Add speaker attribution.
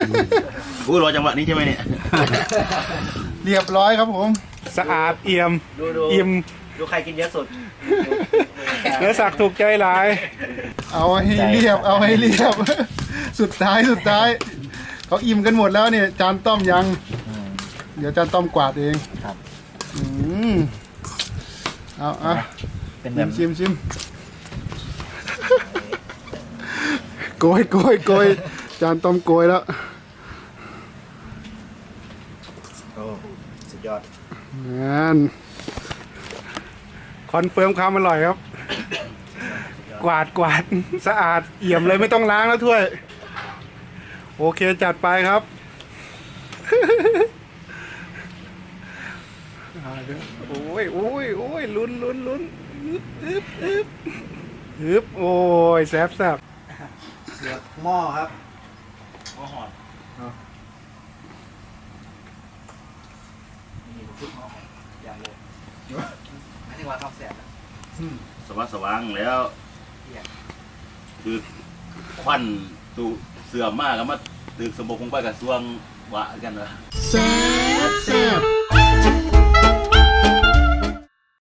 Speaker 1: อู้รอจังหวะนี้ใช่ไหมเนี่ย
Speaker 2: เรียบร้อยครับผม
Speaker 3: สะอาดเอี่ยม
Speaker 1: ดู
Speaker 3: อิ่ม
Speaker 1: ดูใครกินเยอะสุด
Speaker 3: เนื้อสักถูกใจหลาย
Speaker 2: เอาให้เรียบ เอาให้เรียบ สุดท้ายเขาอิ่มกันหมดแล้วเนี่ย จานต้อมยัง เดี๋ยวจานต้อมกวาดเอง
Speaker 1: ครับ
Speaker 2: อืมเอา
Speaker 1: เป็นแบบ
Speaker 2: ชิมโกยจานต้อมโกยแล้ว
Speaker 1: โอ้สุดยอด
Speaker 2: นั่น
Speaker 3: คอนเฟิร์มความอร่อยครับ กวาดสะอาดเอี่ยมเลยไม่ต้องล้างแล้วถ้วย โอเคจัดไปครับ โอ้ยลุ้นฮึบโอ้ยแซ่บ
Speaker 1: เดือดหม้อครับหม้อหอดนี่ผมพูดหม้อหอดอย่างเลยไม่ใช่ว่าข้าวแสบสว่างแล้วคือควันตูเสื่อมมากแล้วมาตึกสมบูรณ์คงไปกับซวงวะกันนะ
Speaker 2: แซ่บ